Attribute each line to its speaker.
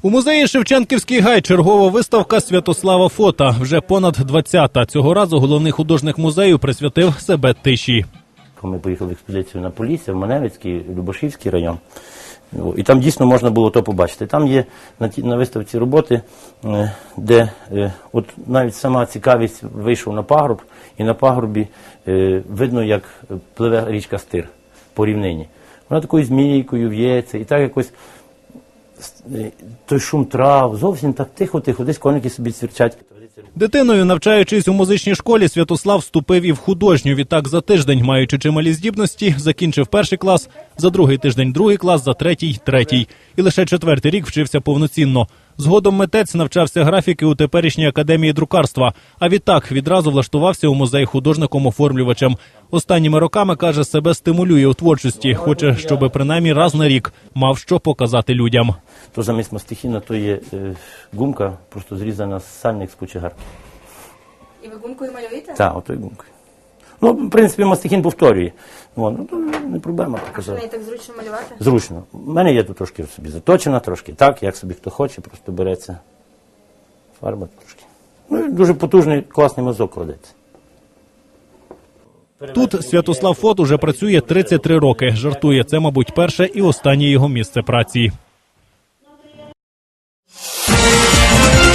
Speaker 1: У музеї Шевченківський гай чергова виставка Святослава Фота. Вже понад 20-та. Цього разу головний художник музею присвятив себе тиші.
Speaker 2: Ми поїхали в експедицію на Полісся, в Маневицький, Любашівський район. І там дійсно можна було то побачити. Там є на виставці роботи, де от навіть сама цікавість вийшов на пагорб, і на пагорбі видно, як пливе річка Стир по рівнині. Вона такою змійкою в'ється, і так якось той шум трав, зовсім так тихо-тихо, десь коники собі цвірчать.
Speaker 1: Дитиною, навчаючись у музичній школі, Святослав вступив і в художню. Відтак за тиждень, маючи чималі здібності, закінчив перший клас, за другий тиждень другий клас, за третій – третій. І лише четвертий рік вчився повноцінно. Згодом митець навчався графіки у теперішній академії друкарства. А відтак відразу влаштувався у музей художником-оформлювачем. Останніми роками, каже, себе стимулює у творчості. Хоче, щоб принаймні раз на рік мав що показати людям.
Speaker 2: То замість мастихіна, то є гумка, просто зрізана з сальник з кучегарки.
Speaker 3: І ви гумкою малюєте?
Speaker 2: Так, ото й гумкою. Ну, в принципі, мастихін повторює. Ну, то не проблема
Speaker 3: А що
Speaker 2: показати.
Speaker 3: неї так зручно малювати?
Speaker 2: Зручно. У мене є тут трошки собі заточена, трошки так, як собі хто хоче, просто береться фарба трошки. Ну, і дуже потужний, класний мазок кладеться.
Speaker 1: Тут Святослав Фот уже працює 33 роки. Жартує, це, мабуть, перше і останнє його місце праці.